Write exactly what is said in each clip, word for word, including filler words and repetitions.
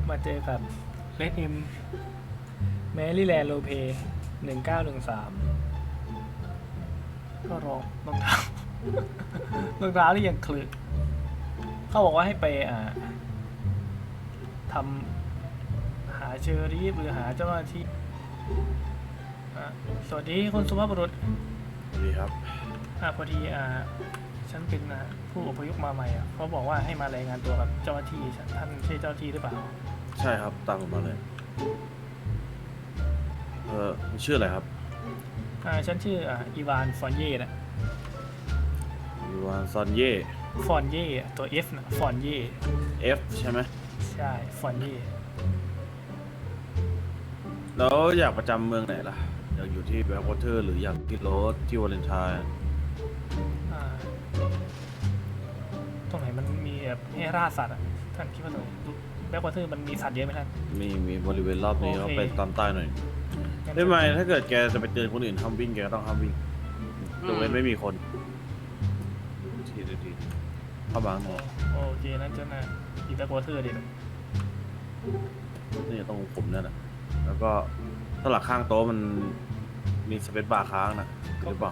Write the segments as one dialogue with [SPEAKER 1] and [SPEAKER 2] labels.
[SPEAKER 1] มาเจอกับเลดเอ็มแมรี่แลนด์โลเปหนึ่งเก้าหนึ่งสามก็รองรองเท้ารองเท้าที่ยังคลึกเขาบอกว่าให้ไปอ่าทำหาเชอรี่หรือหาเจ้าหน้าที่สวัสดีคุณสุภาพบุรุษ
[SPEAKER 2] สวัสดีครับ
[SPEAKER 1] อ่าพอดีอ่าฉันเป็นผู้อพยพมาใหม่อ่ะเขาบอกว่าให้มารายงานตัวกับเจ้าหน้าที่ท่านใช่เจ้าหน้าที่หรือเปล่า
[SPEAKER 2] ใช่ครับตามผมมาเลยเออชื่ออะไรครับ
[SPEAKER 1] อ่าฉันชื่ออ่าอีวานฟอนเย่นะ
[SPEAKER 2] อีวานซอนเย่
[SPEAKER 1] ฟอนเย่ตัว F นะฟอนเย่
[SPEAKER 2] F ใช่ไหม
[SPEAKER 1] ใช่ฟอนเย่
[SPEAKER 2] แล้วอยากประจำเมืองไหนล่ะอยากอยู่ที่แบล็ควอเตอร์หรืออยากที่โรสที่วาเลนไทน์
[SPEAKER 1] ตรงไหนมันมีแบบให้ล่าสัตว์อ่ะท่านคิดว่าตรงไหนแบล็ควอเตอร์มันมีสัตว์เยอะไหมท่าน
[SPEAKER 2] มีมีบริเวณรอบนี้เขาไปตามใต้หน่อยได้ไหมถ้าเกิดแกจะไปเตือนคนอื่นห้ามวิ่งแกก็ต้องห้ามวิ่งยกเว้นไม่มีคนทีทีทีเข้ามาหน่อย
[SPEAKER 1] โอเคนั่นเจ้าหน้าอีแบล็ควอเตอร์ดิ
[SPEAKER 2] นี่ต้องผมเนี่ยนะแล้วก็ถ้าหลักข้างโต๊ะมันมีสเปซบาร์ค้างนะหรือเปล่า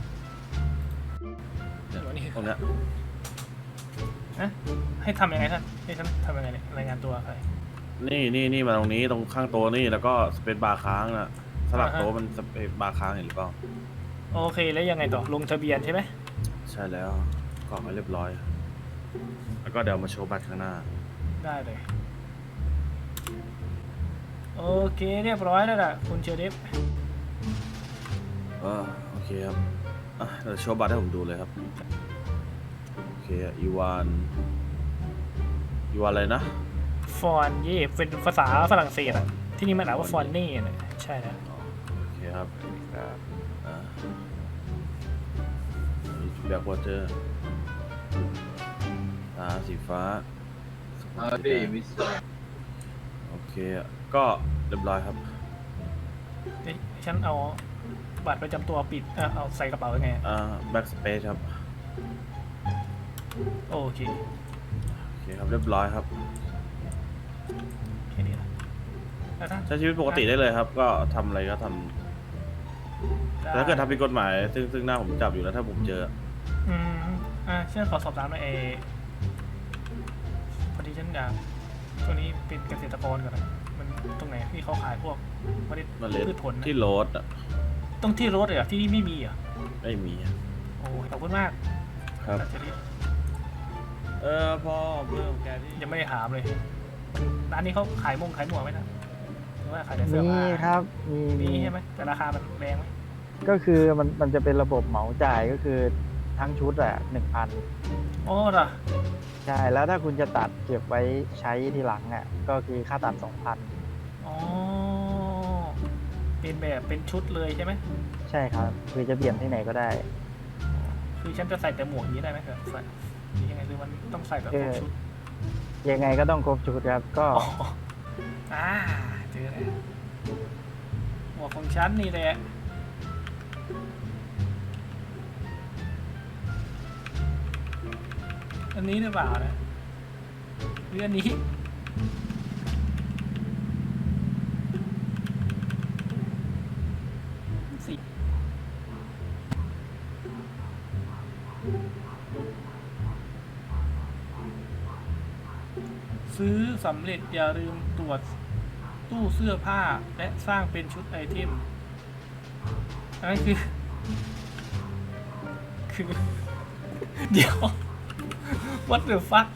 [SPEAKER 2] ตรงเนี้ย
[SPEAKER 1] นะให้ทำยังไงท่านให้ฉันทำยังไงเนี่ยรายงานตัวใคร
[SPEAKER 2] นี่นี่นี่มาตรงนี้ตรงข้างโต๊ะนี่แล้วก็สเปซบาร์ค้างนะสลักโต๊ะมันสเปซบาร์ค้างเห็นหรือเปล่า
[SPEAKER 1] โอเคแล้วยังไงต่อลงทะเบียนใช่ไหม
[SPEAKER 2] ใช่แล้วกรอกไว้เรียบร้อยแล้วก็เดี๋ยวมาโชว์บัตรข้างหน้า
[SPEAKER 1] ได้เลยโอเคเรียบร้อยแล้วล่ะคุณเชอร์เดฟ
[SPEAKER 2] อ่าโอเคครับอ่ะเดี๋ยวโชว์บัตรให้ผมดูเลยครับโอเคอีวานอีวานอะไรนะ
[SPEAKER 1] ฟอนเย่เป็นภาษาฝรั่งเศสอ่ะที่นี่มันอ่านว่าฟอนเน่เนี่ยใช่แล้ว
[SPEAKER 2] โอเคครับอ่าแบ็ควอเตอร์ตาสีฟ้าโอเคก็เรียบร้อยครับ
[SPEAKER 1] ฉันเอาบัตรประจำตัวปิดเอาใส่กระเป๋ายังไง
[SPEAKER 2] อ่าแบ็กสเปซครับ
[SPEAKER 1] โอเค
[SPEAKER 2] โอเคครับเรียบร้อยครับ
[SPEAKER 1] แค่นี้แหละ
[SPEAKER 2] ใช้ชีวิตปกติได้เลยครับก็ทำอะไรก็ทำแต่ถ้าเกิดทำผิดกฎหมายซึ่งซึ่งหน้าผมจับอยู่แล้วถ้าผมเจอ
[SPEAKER 1] อืมอ่าเชื่อขอสอบถามหน่อยเอพอดีฉันอยากตัวนี้เป็นเกษตรกรก่อนนะมันตรงไหนที่เขาขายพวกเมล็ดพืชผล
[SPEAKER 2] ที่โรสอ่ะ
[SPEAKER 1] ต้องที่รถเลยอ่ะที่นี่ไม่มีอ่ะ
[SPEAKER 2] ไม่มี
[SPEAKER 1] โอ้ขอบคุณมาก
[SPEAKER 2] ครับเออพอเรื่องแกที่
[SPEAKER 1] ยังไม่ได้ถามเลยร้านนี้เขาขายมงขายหมวกไหมนะหรือว่าขายแต่เสื้อผ้า
[SPEAKER 3] มีครับมี
[SPEAKER 1] มีใช่ไหมแต่ราคามันแรงไหม
[SPEAKER 3] ก็คือมันมันจะเป็นระบบเหมาจ่ายก็คือทั้งชุดอะหนึ่งพัน
[SPEAKER 1] โอ้เหรอ
[SPEAKER 3] ใช่แล้วถ้าคุณจะตัดเก็บไว้ใช้ทีหลังอะก็คือค่าตัดสองพัน
[SPEAKER 1] อ๋อเป็นแบบเป็นชุดเลยใช่ไหม
[SPEAKER 3] ใช่ครับคือจะเปลี่ยนที่ไหนก็ได้
[SPEAKER 1] คือฉันจะใส่แต่หมวกนี้ได้ไหมครับใส่ยังไงหรือมันต้องใส่แบบครบชุด
[SPEAKER 3] ยังไงก็ต้องครบชุดครับก็
[SPEAKER 1] อ่าเจอแล้วหมวกของฉันนี่แหละอันนี้หรือเปล่านะหรืออันนี้สิซื้อสำเร็จอย่าลืมตรวจตู้เสื้อผ้าและสร้างเป็นชุดไอเทมอันนี้คือคือเดี๋ยว what the fuck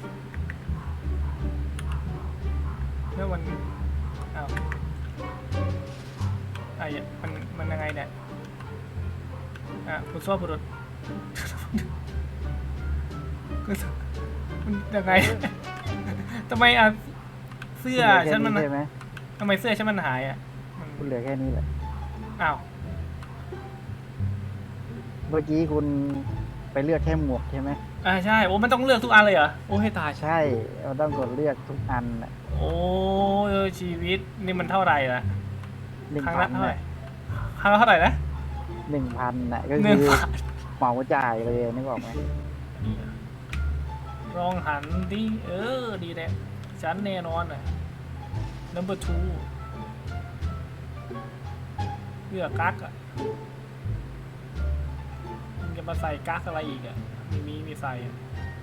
[SPEAKER 1] แล้วมันอ้าวไอ้มันมันยังไงเนี่ยอ่ะคุณซ้อบุรุษมันยังไงทำไมอ่ะเสื้อฉันมันทำไมเสื้อฉันมันหายอ่ะ
[SPEAKER 3] คุณเหลือแค่นี้แหละ
[SPEAKER 1] อ้าว
[SPEAKER 3] เมื่อกี้คุณไปเลือกแค่หมวกใช่ไหม
[SPEAKER 1] อ่าใช่โอ้มันต้องเลือกทุกอันเลยเหรอโอ้ให้ตาย
[SPEAKER 3] ใช่เราต้องกดเลือกทุกอันอ่ะ
[SPEAKER 1] โอ้ชีวิตนี่มันเท่าไหร่ละครั้งละเท่าไหร่ครั้งละเท่าไหร่นะ
[SPEAKER 3] หนึ่งพันน่ะก็คือเหมาจ่ายเลยนึกออกไหม
[SPEAKER 1] ลองหันดิเออดีแหละฉันแน่นอนเลย number two เลือกกั๊กอ่ะมึงจะมาใส่กั๊กอะไรอีกอ่ะมีมีมีใส่อ่ะ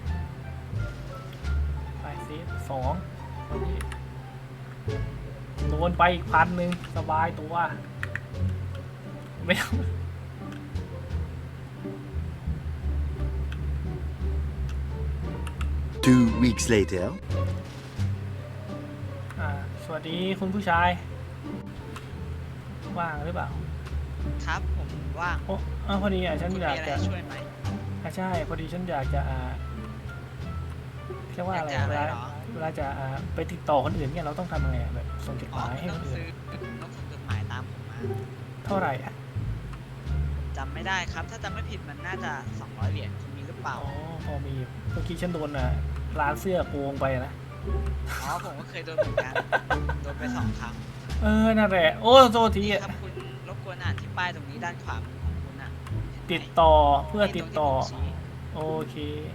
[SPEAKER 1] ใส่ซิสองวันนี้โดนไปอีกพันหนึ่งสบายตัวไม่ต้อง
[SPEAKER 4] Two weeks later.
[SPEAKER 1] อ่าสวัสดีคุณผู้ชายว่างหรือเปล่า
[SPEAKER 5] ครับผมว่าง
[SPEAKER 1] โอ้อ้าวพอดีอ่ะฉัน
[SPEAKER 5] คุณ
[SPEAKER 1] อยา
[SPEAKER 5] มี
[SPEAKER 1] ก
[SPEAKER 5] อะไร
[SPEAKER 1] จะ
[SPEAKER 5] ช่วยไหม
[SPEAKER 1] อ่ะใช่พอดีฉันอยากจะอ่าเรียกว่าอะไร
[SPEAKER 5] อยากจะ
[SPEAKER 1] เว
[SPEAKER 5] อะไร
[SPEAKER 1] ลา
[SPEAKER 5] เหรอ
[SPEAKER 1] เวลาจะอ่าไปติดต่อคนอื่นเนี่ยเราต้องทำยังไงอ่ะแบบส่งจดห
[SPEAKER 5] อ๋อ
[SPEAKER 1] มายให้
[SPEAKER 5] ต้
[SPEAKER 1] ค
[SPEAKER 5] อง
[SPEAKER 1] นอื่น
[SPEAKER 5] ซื้อต้องส่งจดหมายตามผมมา
[SPEAKER 1] เท่าไหร่อ่ะ
[SPEAKER 5] จำไม่ได้ครับ ถ้าจำไม่ผิดมันน่าจะสองร้อยเหรียญคุณมีหรือเปล่า
[SPEAKER 1] อ๋อพอมีอยู่เมื่อกี้ฉันโดนอ่ะร้านเสื้อโกงไปนะ
[SPEAKER 5] อ๋อผมก็เคยโดนเหมือนกันโดนไปสองครั้ง
[SPEAKER 1] เออนั่นแหละโอ้โทษที
[SPEAKER 5] นี่
[SPEAKER 1] อ่ะ
[SPEAKER 5] ครับคุณรบกวนอ่านที่ป้ายตรงนี้ด้านขวามือของคุณอ่ะเห็นไหม
[SPEAKER 1] ติดต่อเพื่อ
[SPEAKER 5] นี่
[SPEAKER 1] ติด
[SPEAKER 5] รง
[SPEAKER 1] ต่อ
[SPEAKER 5] ที่ผมชี้
[SPEAKER 1] โอเค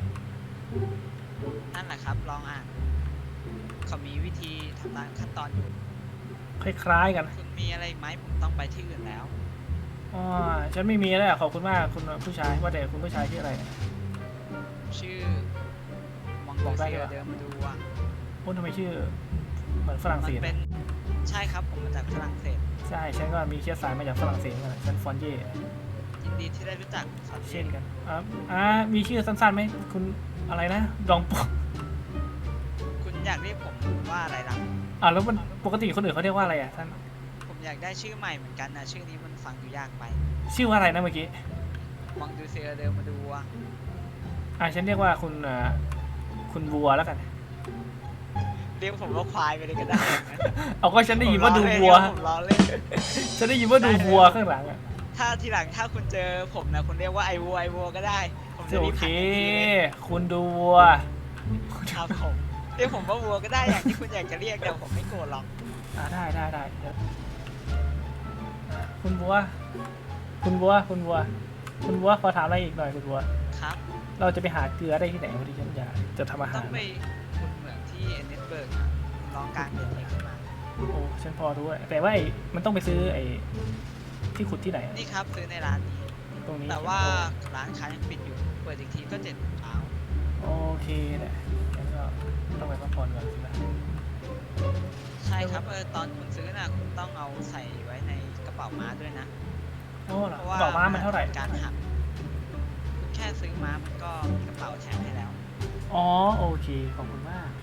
[SPEAKER 5] นั่นแหละครับลองอ่านเขามีวิธีทำตามขั้นตอนอยู่
[SPEAKER 1] คล้ายๆกัน
[SPEAKER 5] คุณมีอะไรอีกไหมผมต้องไปที่อื่นแล้ว
[SPEAKER 1] อ๋อฉันไม่มีแล้วขอบคุณมากคุณผู้ชายว่าแต่คุณผู้ชายชื่ออะไรเนี่ย
[SPEAKER 5] ชื่อมอง
[SPEAKER 1] บ
[SPEAKER 5] โก
[SPEAKER 1] อกได้
[SPEAKER 5] เซี
[SPEAKER 1] ไหม
[SPEAKER 5] ยเดิมมาดูอ่ะ
[SPEAKER 1] โอ้ทำไมชื่อเหมือนฝรั่ง
[SPEAKER 5] มั
[SPEAKER 1] เศ
[SPEAKER 5] น
[SPEAKER 1] ส
[SPEAKER 5] เป็นใช่ครับผมมาจากฝรั่งเศส
[SPEAKER 1] ใช่ฉันก็มีเชื้อสายมาจากฝรั่งเศสเหมือนกันฉันฟอนเย่
[SPEAKER 5] ยินดีที่ได้รู้จักสอน
[SPEAKER 1] เช่นกันอ่าอ่ามีชื่อสั้นๆไหมคุณอะไรนะดองปก
[SPEAKER 5] คุณอยากเรียกผมว่าอะไรล่ะ
[SPEAKER 1] อ่าแล้วมันปกติคนอื่นเขาเรียกว่าอะไรอ่ะท่าน
[SPEAKER 5] ผมอยากได้ชื่อใหม่เหมือนกันนะชื่อนี้มันฟังดูยากไป
[SPEAKER 1] ชื่อว่าอะไรนะเมื่อกี้
[SPEAKER 5] มองดูเซอร์เดิมมาดูอ่ะ
[SPEAKER 1] อ่าฉันเรียกว่าคุณอ่าคุณวัวแล้วกัน
[SPEAKER 5] เรียกผมว่าควายไปเลยก็ได้นะ
[SPEAKER 1] เอาก็ฉันได้ยินว่าดูวัว
[SPEAKER 5] ผมล้อเล่น
[SPEAKER 1] ฉันได้ยินว่าดูวัวข้างหลังอ่ะ
[SPEAKER 5] ถ้าทีหลังถ้าคุณเจอผมนะคุณเรียกว่าไอวัวไอวัวก็ได้ ผมจะ
[SPEAKER 1] โอ
[SPEAKER 5] รีบ
[SPEAKER 1] เค
[SPEAKER 5] หันทันทีเลย
[SPEAKER 1] คุณดูวัว
[SPEAKER 5] ครับผมเรียกผมว่าวัวก็ได้อย่างที่คุณอยากจะเรียกแต่ผมไม่โกรธหรอก
[SPEAKER 1] อ่าได้ได้ได้เดี๋ยวอ่าคุณวัว คุณวัว คุณวัว คุณวัวขอถามอะไรอีกหน่อยคุณวัว
[SPEAKER 5] ครับ
[SPEAKER 1] เราจะไปหาเกลือได้ที่ไหนวันที่ฉันอยากจะทำอา
[SPEAKER 5] ต้
[SPEAKER 1] หา
[SPEAKER 5] อง
[SPEAKER 1] ร
[SPEAKER 5] ไปคุณเหมืองที่เอเนสเบิร์กนะคุณลองกางเดินไปขึ้นมา
[SPEAKER 1] โอ้ฉันพอรู้อะแต่ว่าไอ้มันต้องไปซื้อไอ้ที่ขุดที่ไหนอะ
[SPEAKER 5] นี่ครับซื้อในร้านนี้
[SPEAKER 1] ตรงนี้
[SPEAKER 5] แต่ว่าร้านค้ายังปิดอยู่ เปิดอีกทีก็เจ็ดโมงเช้า
[SPEAKER 1] โอเคแหละงั้นก็ต้องไปพักผ่อนก่อนสินะ
[SPEAKER 5] ใช่ครับ เออ ตอนคุณซื้อน่ะ คุณต้องเอาใส่ไว้ในกระเป๋าม้าด้วยนะ
[SPEAKER 1] โอ้เหรอ
[SPEAKER 5] เพราะว่า
[SPEAKER 1] ดอกม้ามันเท่าไหร่
[SPEAKER 5] การหักคุณแค่ซื้อม้ามันก็มีกระเป๋าแถมให้แล้ว
[SPEAKER 1] อ๋อโอเคขอบคุณมาก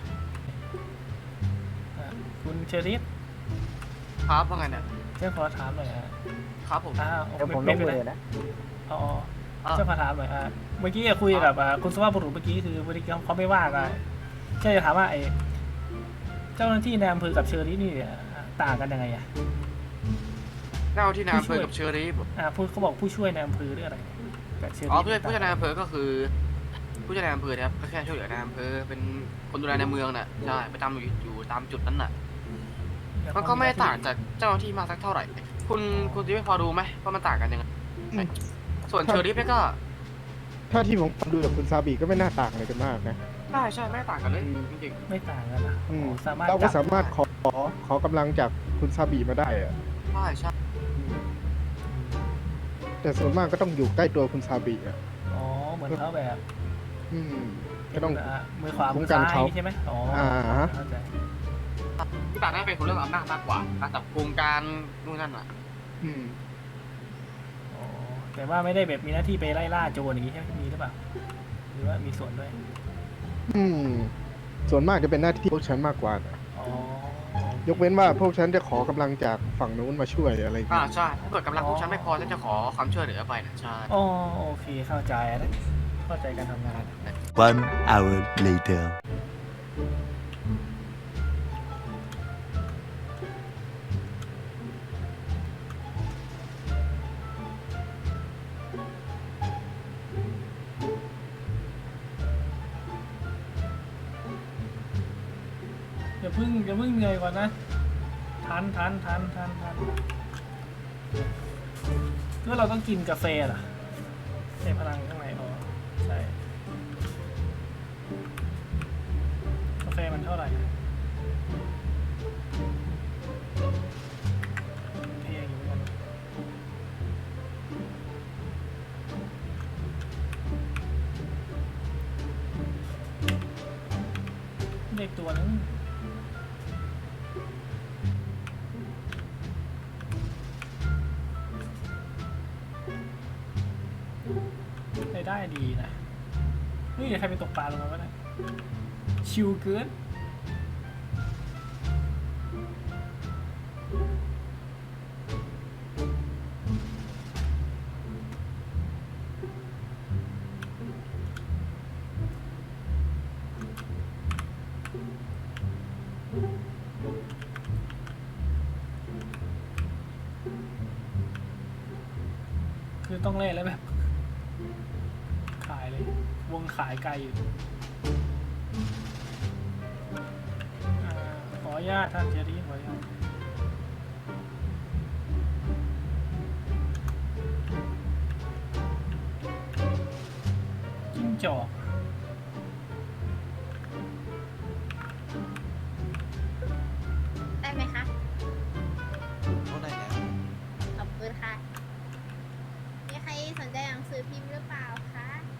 [SPEAKER 1] อ่ะคุณเชอริฟ
[SPEAKER 6] ครับว่าไงเนี่ย
[SPEAKER 1] เจ้าขอถามหน่อยอ่ะ
[SPEAKER 6] ครับผม
[SPEAKER 1] อ้าว
[SPEAKER 3] เดี๋ยวผมล
[SPEAKER 1] ไม่
[SPEAKER 3] ง
[SPEAKER 1] เป็น
[SPEAKER 3] มื
[SPEAKER 1] ไร
[SPEAKER 3] อนะ
[SPEAKER 1] อ๋อ
[SPEAKER 6] อ่ะ
[SPEAKER 1] เจ้าขอถามหน่อยอ่ะเมื่อกี้คุยกับอ่ะคุณสุภาพบุรุษเมื่อกี้คือเมื่อกี้เขาไม่ว่ากันแค่จะถามว่าไอ้เจ้าหน้าที่ในอำเภอกับเชอริฟนี่อ่ะต่างกันยังไงอ่ะ
[SPEAKER 6] เจ้าที่นายอำเภ
[SPEAKER 1] ผู้ช่วย
[SPEAKER 6] อกับเชอรี่
[SPEAKER 1] อ่าพูดเขาบอกผู้ช่วยในอำเภอหรืออะไรกับเชอริฟ
[SPEAKER 6] อ๋อผู้ช่วยผู้ช่วยนายอำเภอก็คือ ผู้ช่วยนายอำเภอนะครับก็แค่ช่วยเหลือนายอำเภอเป็นคนดูแลในเมืองน่ะใช่ประจำอยู่อยู่ตามจุดนั้นน่ะมันก็ไม่ได้ต่างจากเจ้าหน้าที่มากสักเท่าไหร่ คุณคุณจะไม่พอรู้ไหมว่ามันต่างกันยังไงส่วนเชอรี่เนี่ยก็
[SPEAKER 7] ถ้าที่ผมฟังดูจากคุณซาบิก็ไม่น่าต่างอะไรกันมากนะ
[SPEAKER 6] ใช่ใช่ไม่ได้ต่างกันเลยจริง
[SPEAKER 1] ไม่ต่างกันนะ
[SPEAKER 7] อืม
[SPEAKER 1] อ๋อสามารถ
[SPEAKER 7] เราก็
[SPEAKER 1] จับ
[SPEAKER 7] สามารถขอขอกำลังจากคุณซาบิมาได้อะ
[SPEAKER 6] ๆใช่ใช่
[SPEAKER 7] แต่ส่วนมากก็ต้องอยู่ใกล้ตัวคุณซาบิอะ
[SPEAKER 1] อ๋อเหมือนเขาแบบ
[SPEAKER 7] อืมก็ต้อง
[SPEAKER 1] อ่ะมือขวา
[SPEAKER 7] คุ้
[SPEAKER 1] มือ
[SPEAKER 7] มกัน
[SPEAKER 1] ซ้าย
[SPEAKER 7] เขา
[SPEAKER 1] ใช่ไหมอ๋ออา เข้าใจ
[SPEAKER 6] ที่ต่างได้เป็นคนเรื่องอำนาจมากกว่าการจับกลุ่มการนู่นนั่นน่ะ
[SPEAKER 7] อืม
[SPEAKER 1] อ๋อแต่ว่าไม่ได้แบบมีหน้าที่ไปไล่ล่าโจรอย่างนี้ใช่ไหมมีหรือเปล่าหรือว่ามีส่วนด้วย
[SPEAKER 7] อืม ส่วนมากจะเป็นหน้าที่พวกฉันมากกว่านะ
[SPEAKER 1] อ๋อ
[SPEAKER 7] ยกเว้นว่าพวกฉันจะขอกำลังจากฝั่งนู้นมาช่วยอะไรอย่าง
[SPEAKER 6] อ่า
[SPEAKER 7] เงี้ย
[SPEAKER 6] ใช่ถ้าเกิดกำลังพวกฉันไม่พอฉันจะขอความช่วยเหลือไปนะใช่
[SPEAKER 1] อ๋อโอเคเข้าใจแล้วเข้าใจการทำงาน
[SPEAKER 4] One hour later.
[SPEAKER 1] อย่าเพิ่งอย่าเพิ่งเหนื่อยก่อนนะทันทันทันทันทันก็เราต้องกินกาแฟเหรอใช้พลังข้างในอ๋อใช่กาแฟมันเท่าไหร่เด็กตัวนึงได้ได้ดีนะเฮ้ยเดี๋ยวใครไปตกปลาลงมาวะเนี่ยชิวเกินคือต้องเล่นแล้วแบบ ขายเลย วงขายไกลอยู่อ่าขออนุญาตท่านเจรี่ขออนุญาตจิ้งจอก
[SPEAKER 8] ได้ไหมคะ
[SPEAKER 5] เท่าไหร่แล้ว
[SPEAKER 8] ขอบคุณค่ะ มีใครสนใจหนังสือพิมพ์หรือเปล่าคะ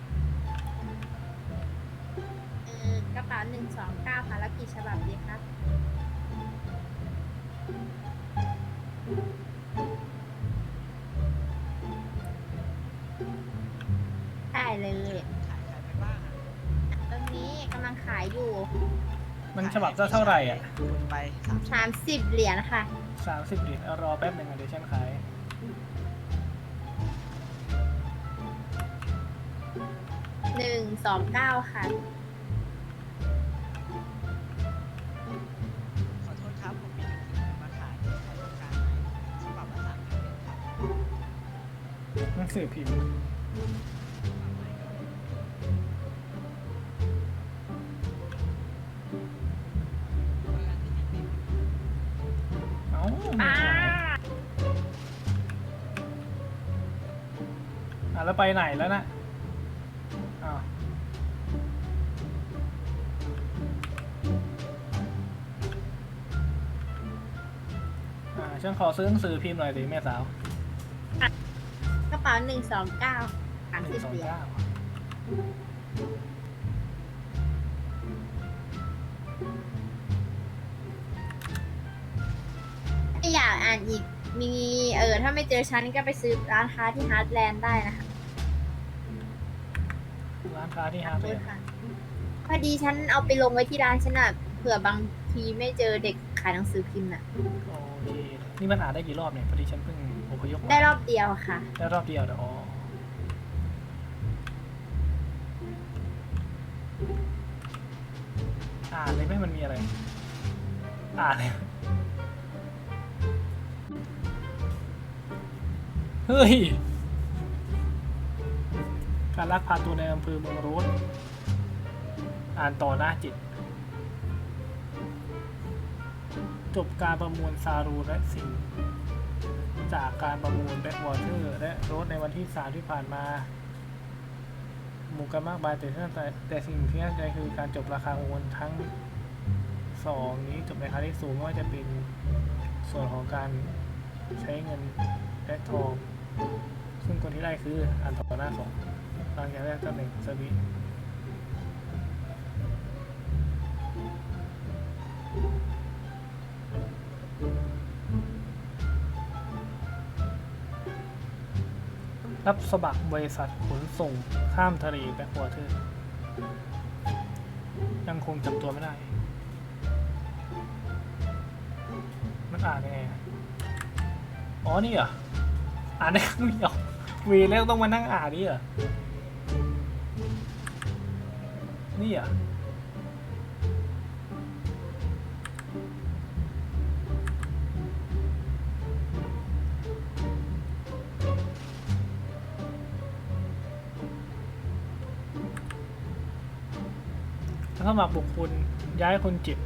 [SPEAKER 8] เออกระเป๋าหนึ่งสองเก้าค่ะ แล้วกี่ฉบับดีครับ ได้เลย
[SPEAKER 5] ขายขายไปบ้างอะ
[SPEAKER 8] ตอนนี้กำลังขายอยู่
[SPEAKER 1] มันฉบับละเท่าไหร่อ่ะ
[SPEAKER 5] คูณไปสาม
[SPEAKER 8] สามสิบเหรียญค่ะ
[SPEAKER 1] สามสิบเหรียญเอารอแป๊บหนึ่งอ่ะเดี๋ยวฉันขาย
[SPEAKER 8] หนึ่งสองเก้าค่ะ
[SPEAKER 5] ขอโทษครับ ผมมีหนังสือมาขายใครต้องการไหมฉบับละสามสิบเหรียญครับ
[SPEAKER 1] หนังสือพิมพ์
[SPEAKER 5] เอออันที่ติดๆ
[SPEAKER 1] เอ้าไม่ขายอ่ะแล้วไปไหนแล้วนะอ้าวอ่าฉันขอซื้อหนังสือพิมพ์หน่อยสิแม่สาว
[SPEAKER 8] กระเป๋าหนึ่งสองเก้าสาม
[SPEAKER 1] ห
[SPEAKER 8] สิ
[SPEAKER 1] นึ่
[SPEAKER 8] บ
[SPEAKER 1] งสอง
[SPEAKER 8] เหรียญ
[SPEAKER 1] เก้า
[SPEAKER 8] ถ้าอยากอ่านอีก มี เออ ถ้าไม่เจอฉันก็ไปซื้อร้านค้าที่ฮาร์ดแลนด์ได้นะคะ
[SPEAKER 1] ร้านค้าที่
[SPEAKER 8] ข
[SPEAKER 1] ฮา
[SPEAKER 8] อบ
[SPEAKER 1] ร์ด
[SPEAKER 8] คุ
[SPEAKER 1] เล
[SPEAKER 8] ณ
[SPEAKER 1] ย
[SPEAKER 8] ค่ะ พอดีฉันเอาไปลงไว้ที่ร้านฉันอ่ะ เผื่อบางทีไม่เจอเด็กขายหนังสือพิมพ์น่ะ
[SPEAKER 1] โอเค นี่มันอ่านได้กี่รอบเนี่ยพอดีฉันเพิ่งอพยพมา
[SPEAKER 8] ได้รอบเดียวค่ะ
[SPEAKER 1] ได้รอบเดียวเดี๋ยวอ๋ออ่านเลยไหมมันมีอะไร อ่านเลย เฮ้ย การลักพาตัวในอำเภอเมืองโรสอ่านต่อหน้าจิต จบการประมวลซารูและสิงห์จากการประมูลแบ็กวอเตอร์และโรสในวันที่สามที่ผ่านมาหมู่กันมากมายแต่แต่แต่สิ่งที่น่าสนใจคือการจบราคาโอนทั้งสองนี้จบในราคาที่สูงไม่ว่าจะเป็นส่วนของการใช้เงินและทอง ซึ่งคนที่ได้คืออ่านต่อหน้าสองหลังจากแรกตำแหน่งสวีรับสมัครบริษัทขนส่งข้ามทะเลแบ็ควอเตอร์ยังคงจับตัวไม่ได้ มันอ่านยังไงอะอ๋อ นี่เหรอ อ่านได้ครั้งเดียวเวรแล้วต้องมานั่งอ่านนี่เหรอ นี่เหรอ ถ้าสมัครบุคคลย้ายคนเจ็บ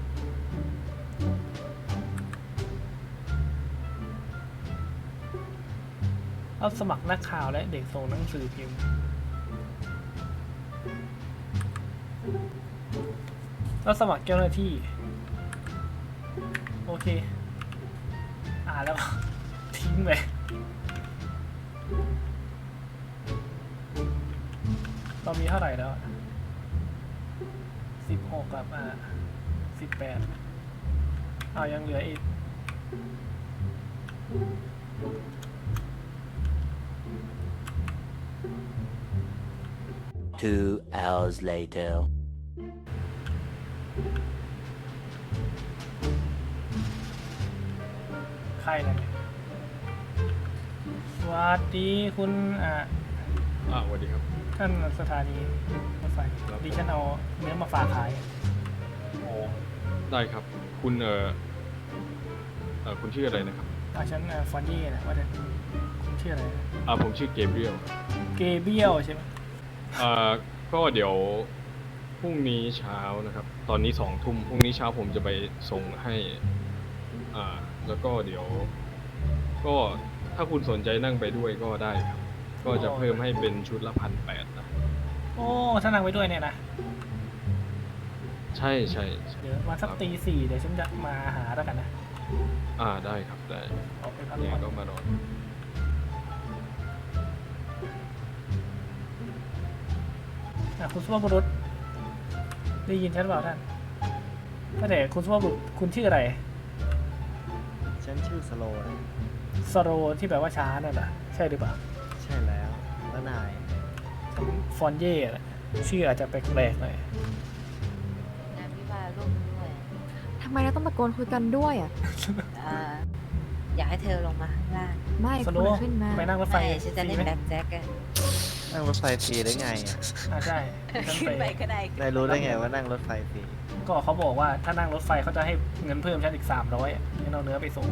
[SPEAKER 1] รับสมัครนักข่าวและเด็กส่งหนังสือพิมพ์รับสมัครเจ้าหน้าที่ โอเค อ่านแล้ว ทิ้งเลยเรามีเท่าไหร่แล้วสิบหกกับอ่าสิบแปดเอายังเหลืออีก
[SPEAKER 4] Two hours later.
[SPEAKER 1] ใครนะเนี่ยสวัสดีคุณอ่า
[SPEAKER 9] อ่าสวัสดีครับ
[SPEAKER 1] ท่านสถานีรถไฟ
[SPEAKER 9] ครับ
[SPEAKER 1] ดิฉันเอาเนื้อมาฝากขาย
[SPEAKER 9] อ๋อได้ครับ คุณเอ่อเอ่อคุณชื่ออะไรนะครับ
[SPEAKER 1] อาฉันอ่าฟอนยี่นะว่าแต่คุณชื่ออะไรนะ
[SPEAKER 9] อ่าผมชื่อเกเบรียล
[SPEAKER 1] เกเบียลใช่ไหม
[SPEAKER 9] อ่าก็เดี๋ยวพรุ่งนี้เช้านะครับ ตอนนี้สองทุ่มพรุ่งนี้เช้าผมจะไปส่งให้อ่าแล้วก็เดี๋ยว ก็ถ้าคุณสนใจนั่งไปด้วยก็ได้ครับ ก็จะเพิ่มให้เป็นชุดละพันแปดนะ
[SPEAKER 1] โอ้ถ้านั่งไว้ด้วยเนี่ยนะ
[SPEAKER 9] ใช่ใช่ใช่
[SPEAKER 1] เดี๋ยวมาสักตีสี่เดี๋ยวฉันจะมาหาแล้วกันนะ
[SPEAKER 9] อ่าได้ครับได้
[SPEAKER 1] ออกไปพัก
[SPEAKER 9] เนี่ย
[SPEAKER 1] ผ่อน
[SPEAKER 9] ก็มานอน
[SPEAKER 1] อ่ะคุณสุภาพบุรุษได้ยินฉันเปล่าท่านก็แต่คุณสุภาพบุรุษคุณชื่ออะไร
[SPEAKER 3] ฉันชื่อสโลนะ
[SPEAKER 1] สโรที่แปลว่าช้านั่นแหละใช่หรือเปล่า
[SPEAKER 3] ใช่แล้วแล้วนาย
[SPEAKER 1] ฟอนเย่น่ะชื่ออาจจะแปลกๆหน่อย
[SPEAKER 10] งานวิวาห์ร่วมด้วย
[SPEAKER 11] ทำไมเราต้องตะโกนคุยกันด้วยอ่ะ
[SPEAKER 10] อ่าอยากให้เธอลงมาข้างล่าง
[SPEAKER 11] ไม่
[SPEAKER 1] ส
[SPEAKER 11] คุ
[SPEAKER 1] โร
[SPEAKER 11] ณขึ้นมา
[SPEAKER 1] ไปนั่งรถไฟ
[SPEAKER 10] ไม่ฉันจะเล่น
[SPEAKER 1] ฟรีไหม
[SPEAKER 10] แบ็คแจ็คกัน
[SPEAKER 3] นั่งรถไฟฟรีได้ไงอ่ะ
[SPEAKER 1] อ่าใช่ฉัน
[SPEAKER 10] ขึ้น
[SPEAKER 1] ไป
[SPEAKER 10] ไปก็ได้
[SPEAKER 3] นายรู้ได้ไงว่านั่งรถไฟฟรี
[SPEAKER 1] ก็เขาบอกว่าถ้านั่งรถไฟเขาจะให้เงินเพิ่มฉันอีกสามร้อยให้เอาเนื้อไปส่ง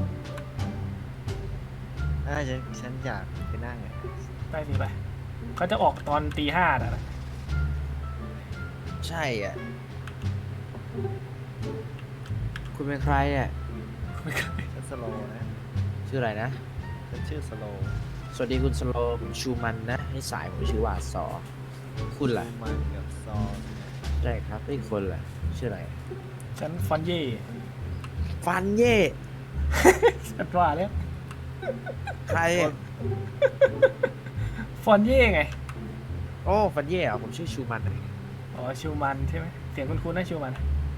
[SPEAKER 3] อ่าฉันฉันอยากไปนั่งอ่ะ
[SPEAKER 1] ไปสิไปเขาจะออกตอนตีห้าน่ะนะ
[SPEAKER 3] ใช่อ่ะ คุณเป็นใครอ่ะฉันสโลนะ
[SPEAKER 12] ชื่ออะไรนะ
[SPEAKER 3] ฉันชื่อสโล
[SPEAKER 12] สวัสดีคุณสโลผมชูมันนะให้สายผมชื่อว่าสอ คุณล่ะ
[SPEAKER 3] มันกับซอ
[SPEAKER 12] ใช่ครับอีกคนล่ะ ชื่ออะไร
[SPEAKER 1] ฉันฟอนเย่
[SPEAKER 12] ฟันเย่
[SPEAKER 1] ฉันว่าแล้ว
[SPEAKER 12] ใคร
[SPEAKER 1] ฟอนเย่ไง
[SPEAKER 12] โอ้ฟันเย่เหรอผมชื่อชูมัน
[SPEAKER 1] อ๋อชิวมันใช่ไหมเสียงคุ้นๆนะชิวมัน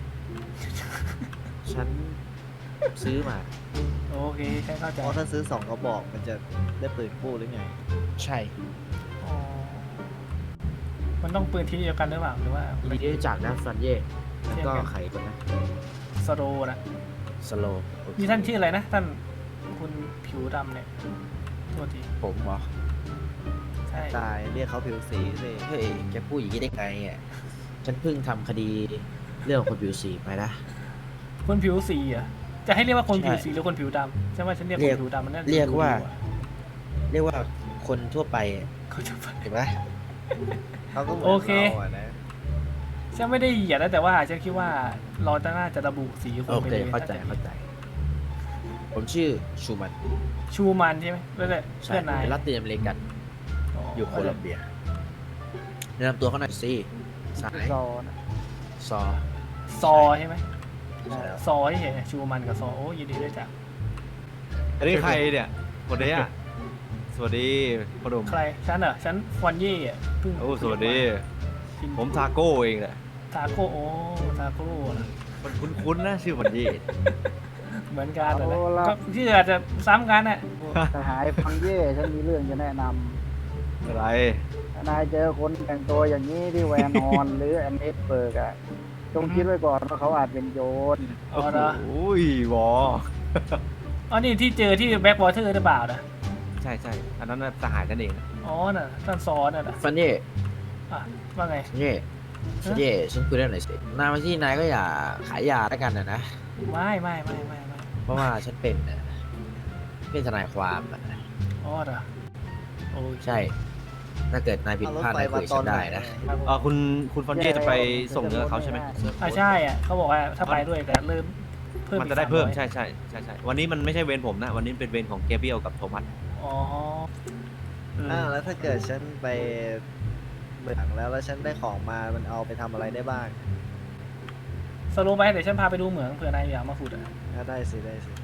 [SPEAKER 12] ฉันซื้อมา
[SPEAKER 1] โอเคฉันเข้าใจ
[SPEAKER 3] เพราะถ้าซื้อสองกระบอกมันจะได้ปืนคู่หรือไง
[SPEAKER 12] ใช่
[SPEAKER 1] อ๋อมันต้องปืนทีเดียวกันหรือเปล่าหรือว่า
[SPEAKER 12] ยินดีที่รู้จักนะฟันเย่แล้วก็ใครคนนะ
[SPEAKER 1] สโรนะ
[SPEAKER 12] สโลโอเค
[SPEAKER 1] นี่ท่านชื่ออะไรนะท่านคุณผิวดำเนี่ยโทษที
[SPEAKER 12] ผมเหรอ
[SPEAKER 1] ใช่
[SPEAKER 3] ตายเรียกเขาผิวสีสิ
[SPEAKER 12] เฮ้ยแกพูดอย่างนี้ได้ไงอ่ะฉันเพิ่งทำคดีเรื่องคนผิวสีไปนะ
[SPEAKER 1] คนผิวสีอ่ะจะให้เรียกว่าคน
[SPEAKER 12] ใช่
[SPEAKER 1] ผิวสีหรือคนผิวดำใช่ไหมฉันเรียก
[SPEAKER 12] เรี
[SPEAKER 1] ค
[SPEAKER 12] ยก
[SPEAKER 1] นผิวดำมันน่าจะ
[SPEAKER 12] เรียกว่า
[SPEAKER 1] ดูดี
[SPEAKER 12] เรียกว่าคนทั่วไปอะ
[SPEAKER 1] เขาจะไป
[SPEAKER 12] เห็นไหม
[SPEAKER 3] เขาก็เหมือน
[SPEAKER 1] โอเค
[SPEAKER 3] เราอ่ะนะ
[SPEAKER 1] ฉันไม่ได้เหยียดนะแต่ว่าฉันคิดว่าเราจะน่าจะระบุสีค
[SPEAKER 12] โอน
[SPEAKER 1] ไป
[SPEAKER 12] เค
[SPEAKER 1] เลย
[SPEAKER 12] เข้าใจเข้าใจ ผมชื่อชูมัน
[SPEAKER 1] ชูมันใช่ไหมแล้วแต่
[SPEAKER 12] ใช่
[SPEAKER 1] เพื่อนนาย
[SPEAKER 12] เป็นรัตตินอเมริกันอยู่โคลัมเบียแนะนำตัวเขาหน่อยสิสาย
[SPEAKER 3] ซอนะ
[SPEAKER 12] ซอ
[SPEAKER 1] ซอใช่ไหม
[SPEAKER 12] ใช่แล้ว
[SPEAKER 1] ซอที่เห็นชูมันกับซอโอ้ยินดีด้วยจ้ะ
[SPEAKER 2] อันนี้ใครเนี่ยคนนี้อ่ะสวัสดีพ่อหนุ่ม
[SPEAKER 1] ใครฉันเหรอฉันฟอนเย่อะเพิ่ง
[SPEAKER 2] โอ้สวัสดี
[SPEAKER 1] กิน
[SPEAKER 2] ผมทาโก้เองแหละ
[SPEAKER 1] ทาโก้โอ้ทาโก้นะ
[SPEAKER 2] มันคุ้นๆนะชื่อมันยี่
[SPEAKER 1] เหมือนกันเลยนะก็ชื่ออาจจะซ้ำกันน่ะ
[SPEAKER 3] สหายฟังเย่ฉันมีเรื่องจะแนะนำ
[SPEAKER 2] อะไร
[SPEAKER 3] ถ้านายเจอคนแต่งตัวอย่างนี้ที่แวนออน หรือแอนเอสเบิร์กอะจงคิดไว้ก่อนว่าเขาอาจเป็นโจร
[SPEAKER 1] อ๋อเหรอ
[SPEAKER 2] โอ้ยวอ
[SPEAKER 1] อ๋อนี่ที่เจอที่แบ็กวอเตอร์หรือเปล่านะ
[SPEAKER 2] ใช่ใช่อันนั้นน่ะสหายกันเองนะ
[SPEAKER 1] อ๋อน่ะท่านซอน่ะนะ
[SPEAKER 12] ฟันเย่
[SPEAKER 1] อ่ะว่าไง
[SPEAKER 12] ฟันเย่ฟันเย่ฉันคุยเรื่องหน่อยสินายมาที่นายก็อย่าขายยาแล้วกันนะนะ
[SPEAKER 1] ไม่ไม่ไม่ไม่ไม่
[SPEAKER 12] เพราะว่าฉันเป็นน่ะเป็นทนายความอะ
[SPEAKER 1] อ๋อเหรอโอ้ย
[SPEAKER 12] ใช่ ถ้าเกิดนายผิดพลาดนายคุยกับฉันได้นะ
[SPEAKER 1] ครับผม
[SPEAKER 2] อ่าคุณคุณฟอนเย่จะไปส่งเนื้อเขาใช่ไหม
[SPEAKER 1] อ่ะใช่อ่ะเขาบอกว่าถ้าไปด้วยแต่เริ่มเพิ่ม
[SPEAKER 2] มัน
[SPEAKER 1] อีก
[SPEAKER 2] จะได้เพิ่ม
[SPEAKER 1] สาร้อย
[SPEAKER 2] ใช่ใช่ใช่ใช่วันนี้มันไม่ใช่เวรผมนะ วันนี้เป็นเวรของเกเบรียลกับโทมัส
[SPEAKER 1] อ๋ออืม
[SPEAKER 3] อ้าวแล้วถ้าเกิดฉันไปเมืองแล้วแล้วฉันได้ของมา มันเอาไปทำอะไรได้บ้าง
[SPEAKER 1] สรุปไปเดี๋ยวฉันพาไปดูเหมืองเผื่อนายอยากมาขุดอ่ะ
[SPEAKER 3] อ่ะได้สิได้สิ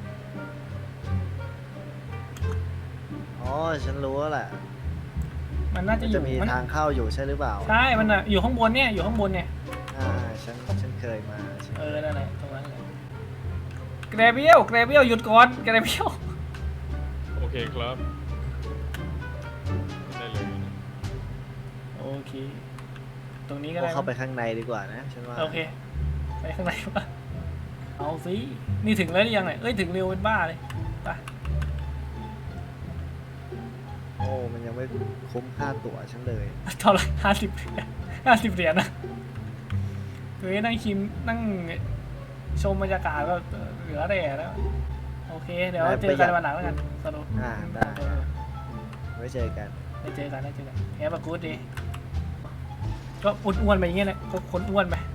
[SPEAKER 3] อ๋อ ฉันรู้แล้วแหละ
[SPEAKER 1] มันน่าจะ
[SPEAKER 12] มัน
[SPEAKER 1] อ
[SPEAKER 12] จะ
[SPEAKER 1] ยู่
[SPEAKER 12] มี
[SPEAKER 1] มัน
[SPEAKER 12] ทางเข้าอยู่ใช่หรือเปล่า
[SPEAKER 1] ใช่มันอะอยู่ข้างบนเนี่ยอยู่ข้างบนเนี่ย
[SPEAKER 12] อ่าฉันฉันเคยมาใช่
[SPEAKER 1] เออนั่นแหละตรงนั้นเลยแกรเบียลแกรเบียลหยุดก่อนแกรเบียล
[SPEAKER 9] โอเคครับได้เลยนะ
[SPEAKER 1] โอเคตรงนี้ก็
[SPEAKER 12] พว
[SPEAKER 1] ได้
[SPEAKER 12] กเข้าไปข้างในดีกว่านะฉันว่า
[SPEAKER 1] โอเคไปข้างในวะเอาสินี่ถึงแล้วหรือยังไงเอ้ยถึงเร็วเป็นบ้าเลยไป
[SPEAKER 12] โอ้มันยังไม่คุ้มค่าตั๋วฉันเลย
[SPEAKER 1] เท่าไหร่ห้าสิบห้าสิบเหรียญนะเฮ้ยนั่งคิมนั่งชมบรรยากาศก็เหลือแต่แล้วโอเคเดี๋ยวเจอกันวันหลังแล้วกันสรุป
[SPEAKER 12] อ่าได้ไว้เจอกัน
[SPEAKER 1] ไปเจอกันได้เจอกันแฮปปี้กู๊ดดีก็อ้วนๆไปอย่างเงี้ยแหละก็คนอ้วนไป